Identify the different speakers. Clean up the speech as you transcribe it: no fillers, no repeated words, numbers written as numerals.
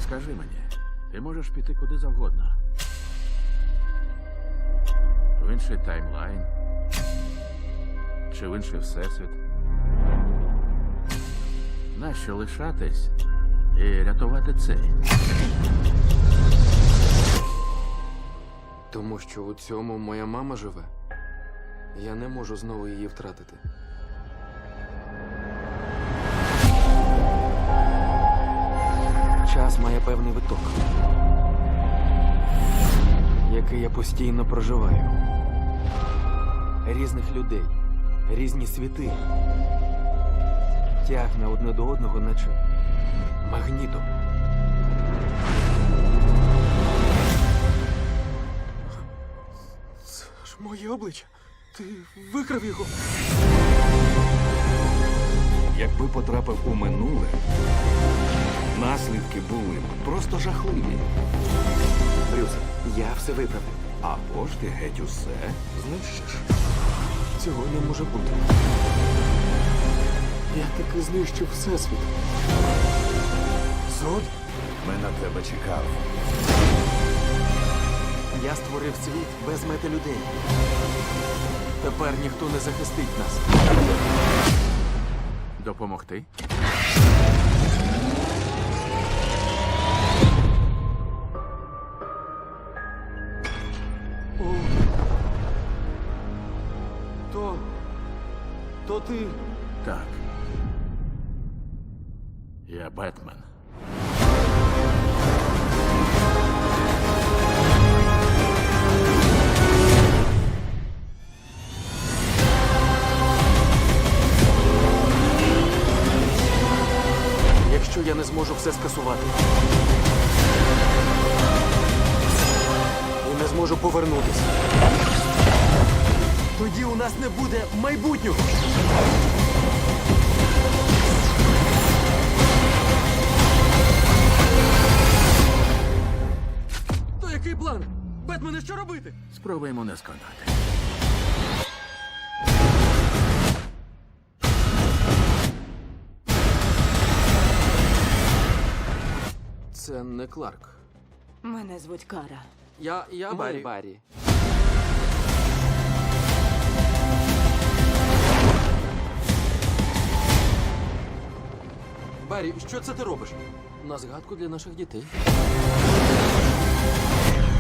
Speaker 1: Скажи мені, ти можеш піти куди завгодно. В інший таймлайн. Чи в інший всесвіт. Нащо лишатись і рятувати цей?
Speaker 2: Тому що у цьому моя мама живе. Я не можу знову її втратити. Час має певний виток, який я постійно проживаю. Різних людей, різні світи. Тягне одне до одного, наче магнітом. Це ж моє обличчя. Ти викрав його.
Speaker 3: Якби потрапив у минуле, наслідки були б просто жахливі.
Speaker 2: Брюс, я все виправив.
Speaker 3: Або ж ти геть усе знищиш.
Speaker 2: Цього не може бути. Я таки знищив всесвіт. Зод?
Speaker 3: Ми на тебе чекав.
Speaker 2: Я створив світ без мети людей. Тепер ніхто не захистить нас.
Speaker 1: Допомогти?
Speaker 2: О. То ти.
Speaker 1: Так. Я Бетмен.
Speaker 2: Якщо я не зможу все скасувати. І не зможу повернутися. Тоді у нас не буде майбутнього. То який план? Бетмене, що робити?
Speaker 1: Спробуємо не сконати.
Speaker 2: Це не Кларк.
Speaker 4: Мене звуть Кара.
Speaker 2: Я Баррі. Баррі, що це ти робиш? На згадку для наших дітей.